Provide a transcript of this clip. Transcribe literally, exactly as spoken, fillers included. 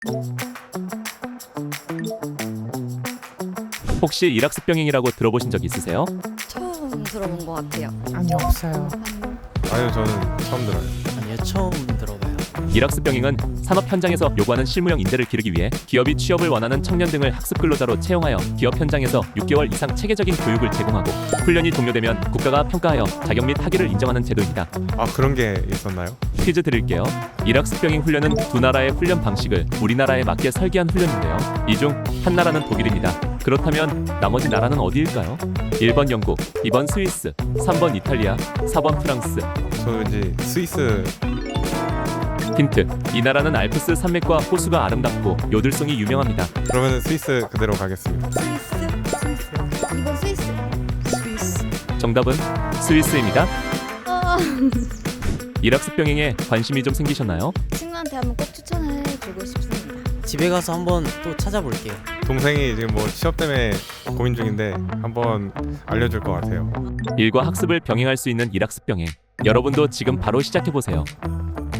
혹시 일학습병행이라고 들어보신 적 있으세요? 처음 들어본 것 같아요. 아니요, 없어요. 아니요, 저는 처음 들어요. 아니요, 처음 들어봐요. 일학습병행은 산업 현장에서 요구하는 실무형 인재를 기르기 위해 기업이 취업을 원하는 청년 등을 학습 근로자로 채용하여 기업 현장에서 육 개월 이상 체계적인 교육을 제공하고 훈련이 종료되면 국가가 평가하여 자격 및 학위를 인정하는 제도입니다. 아, 그런 게 있었나요? 퀴즈 드릴게요. 일학습병행 훈련은 두 나라의 훈련 방식을 우리나라에 맞게 설계한 훈련인데요. 이 중 한 나라는 독일입니다. 그렇다면 나머지 나라는 어디일까요? 일 번 영국, 이 번 스위스, 삼 번 이탈리아, 사 번 프랑스. 저 왠지 스위스. 힌트. 이 나라는 알프스 산맥과 호수가 아름답고 요들송이 유명합니다. 그러면 스위스 그대로 가겠습니다. 스위스? 스위스. 이번 스위스. 스위스. 정답은 스위스입니다. 아, 일학습병행에 관심이 좀 생기셨나요? 친구한테 한번 꼭 추천해 주고 싶습니다. 집에 가서 한번 또 찾아볼게요. 동생이 지금 뭐 취업 때문에 고민 중인데 한번 알려줄 것 같아요. 일과 학습을 병행할 수 있는 일학습병행. 여러분도 지금 바로 시작해보세요.